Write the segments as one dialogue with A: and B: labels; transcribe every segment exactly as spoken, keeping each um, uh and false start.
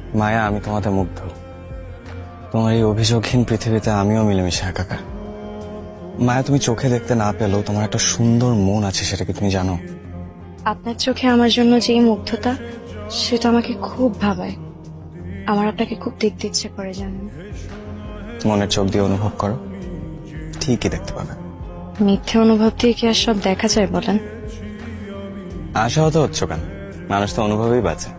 A: মায়া, আমি তোমাতে মুগ্ধ। তোমার এই অভিযোগহীন পৃথিবীতে আমিও মিলেমিশে একাকার। মায়া, তুমি চোখে দেখতে না পেলেও তোমার একটা সুন্দর মন আছে, সেটা কি তুমি জানো?
B: আপনার চোখে আমার জন্য যেই মুগ্ধতা, সেটা আমাকে খুব ভাবায়। আমার আপনাকে খুব দেখতে ইচ্ছে করে, জানেন।
A: মনের চোখ দিয়ে অনুভব করো, ঠিকই দেখতে পাবে।
B: মিথ্যে অনুভব দিয়ে কি আর সব দেখা যায় বলেন?
A: আশাহত হচ্ছ কেন? মানুষ তো অনুভবেই বাঁচে।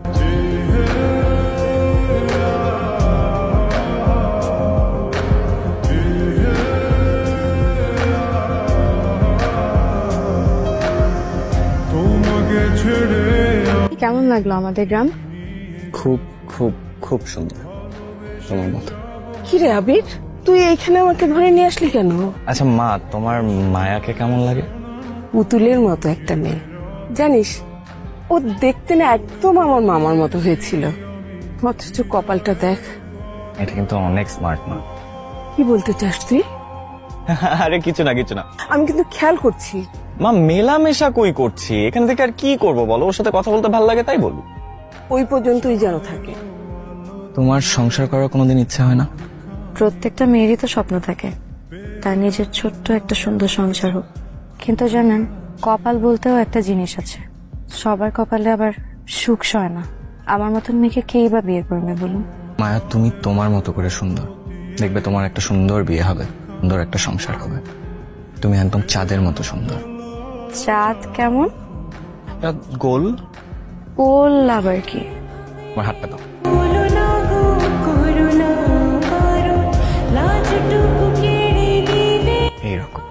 B: কেমন লাগলো আমাদের গ্রাম?
A: খুব খুব খুব সুন্দর, তোমার মতো।
C: কি রে আবির, তুই এইখানে আমাকে ধরে নিয়ে আসলি কেন?
A: আচ্ছা মা, তোমার মায়াকে কেমন লাগে?
C: পুতুলের মতো একটা মেয়ে, জানিস ও দেখতে না একদম আমার মামার মতো হয়েছিল, অথচ কপালটা দেখ।
A: এটা কিন্তু অনেক স্মার্ট মা।
C: কি বলতে চাস তুই?
A: আরে কিছু না কিছু না
C: আমি কিন্তু খেয়াল করছি।
A: মা, মেলামেশা কই করছি, এখান থেকে আর কি করব বলো? ওর সাথে কথা বলতে ভালো লাগে তাই বলি।
C: ওই পর্যন্তই যেন থাকে।
A: তোমার সংসার করার কোনোদিন ইচ্ছা হয় না?
B: প্রত্যেকটা মেয়েরই তো স্বপ্ন থাকে তার নিজের ছোট্ট একটা সুন্দর সংসার হোক, কিন্তু জানেন, কপাল বলতেও একটা জিনিস আছে। সবার কপালে আবার সুখ সয় না। আমার মতন মেয়েকে কেই বা বিয়ে করবে বলুন?
A: মায়া, তুমি তোমার মতো করে সুন্দর, দেখবে তোমার একটা সুন্দর বিয়ে হবে, সুন্দর একটা সংসার হবে। তুমি একদম চাঁদের মতো সুন্দর।
B: চাঁদ কেমন?
A: একটা গোল।
B: গোল আবার কি?
A: আমার হাতটা দাও। এইরকম।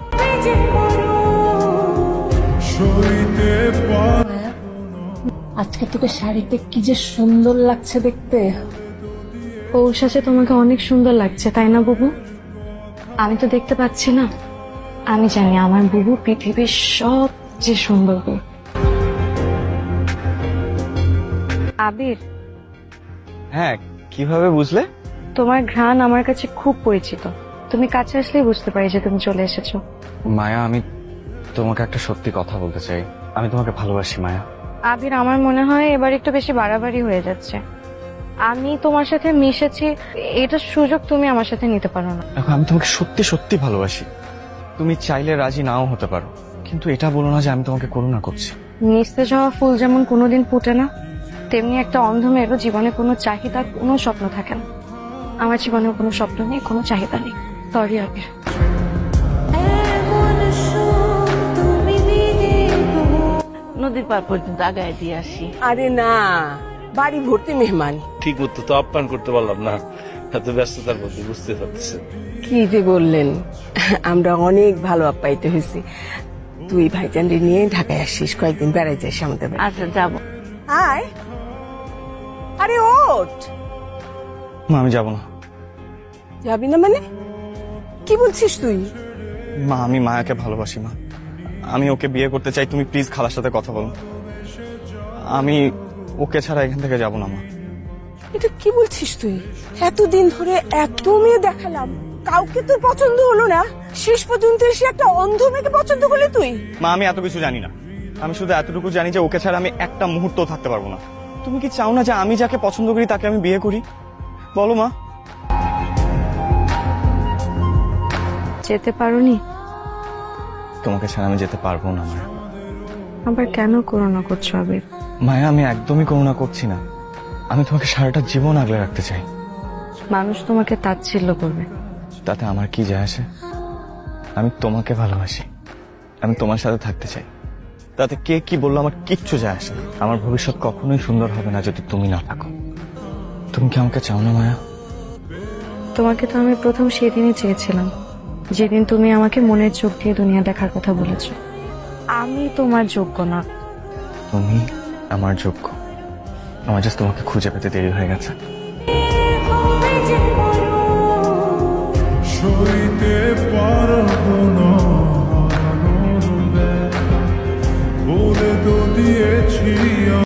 C: আজকে তোকে শাড়িতে কি যে সুন্দর লাগছে দেখতে।
B: ওর সাথে তোমাকে অনেক সুন্দর লাগছে, তাই না বুবু? আমি তো দেখতে পাচ্ছি না। আমি জানি আমার বুবু পৃথিবীর সবচেয়ে সুন্দর বউ। আবির,
A: হ্যাঁ, কিভাবে বুঝলে?
B: তোমার ঘ্রাণ আমার কাছে খুব পরিচিত। তুমি কাছে আসলেই বুঝতে পারি যে তুমি চলে এসেছো।
A: মায়া, আমি তোমাকে একটা সত্যি কথা বলতে চাই। আমি তোমাকে ভালোবাসি মায়া।
B: আবির, আমার মনে হয় এবার একটু বেশি বাড়াবাড়ি হয়ে যাচ্ছে। আমি তোমার সাথে মিশেছি, এটার সুযোগ তুমি আমার সাথে নিতে পারো না।
A: দেখো, আমি তোমাকে সত্যি সত্যি ভালোবাসি। তুমি চাইলে রাজি নাও হতে পারো, কিন্তু এটা বলো না যে আমি তোমাকে করুণা করছি।
B: নিস্তেজ হওয়া ফুল যেমন কোনোদিন ফুটে না, তেমনি একটা অন্ধ মেয়েরও জীবনে কোনো চাহিদা, কোনো স্বপ্ন থাকে না। আমার জীবনেও কোনো স্বপ্ন নেই, কোনো চাহিদা নেই। সরি আবির।
D: নদীর পার পর্যন্ত আগায় দিয়ে আসি।
C: আরে না, বাড়ি ভর্তি মেহমান।
E: ঠিক মতো তো আপ্যায়ন করতে পারলাম না, এত ব্যস্ততার মধ্যে, বুঝতে পারতেছেন।
C: কি যে বললেন, আমরা অনেক ভালো আপ্যায়িত হয়েছি। তুই ভাইজানরে নিয়ে ঢাকায় আসিস, কয়েকদিন বেড়াই যাস আমাদের বাড়ি।
D: আচ্ছা যাবো।
C: আয়, আরে ওঠ।
A: মা, আমি যাবো না।
C: যাবি না মানে? কি বলছিস তুই?
A: মা, আমি মায়াকে ভালোবাসি মা। আমি ওকে বিয়ে করতে চাই। তুমি প্লিজ খালার সাথে কথা বলো। আমি ওকে ছাড়া এখান থেকে যাবো না মা।
C: এটা কি বলছিস তুই? এতদিন ধরে এত মেয়ে দেখালাম, কাউকে তোর পছন্দ হলো না, শেষ পর্যন্ত এসে একটা অন্ধ মেয়েকে পছন্দ করলি তুই?
A: মা, আমি এত কিছু জানি না। আমি শুধু এতটুকু জানি যে ওকে ছাড়া আমি একটা মুহূর্তও থাকতে পারবো না। তুমি কি চাও না যে আমি যাকে পছন্দ করি তাকে আমি বিয়ে করি? বলো মা।
B: যেতে পারোনি?
A: তোমাকে ছাড়া আমি যেতে পারবো না মায়া।
B: আবার কেন করোনা করছো আবির?
A: মায়া, আমি একদমই করুণা করছি না। আমি তোমাকে সারাটা জীবন আগলে রাখতে চাই।
B: মানুষ তোমাকে তাচ্ছিল্য করবে,
A: তাতে আমার কি যায় আসে? আমি তোমাকে ভালোবাসি, আমি তোমার সাথে থাকতে চাই। তাতে কে কি বললো আমার কিচ্ছু যায় আসে না। আমার ভবিষ্যৎ কখনোই সুন্দর হবে না যদি তুমি না থাকো। তুমি কি আমাকে চাও না মায়া?
B: তোমাকে তো আমি প্রথম সেদিনই চেয়েছিলাম, যেদিন তুমি আমাকে মনের চোখ দিয়ে দুনিয়া দেখার কথা বলেছো। আমি তোমার যোগ্য না।
A: তুমি আমার যোগ্য। আমার জাস্ট তোমাকে খুঁজে পেতে দেরি হয়ে গেছে।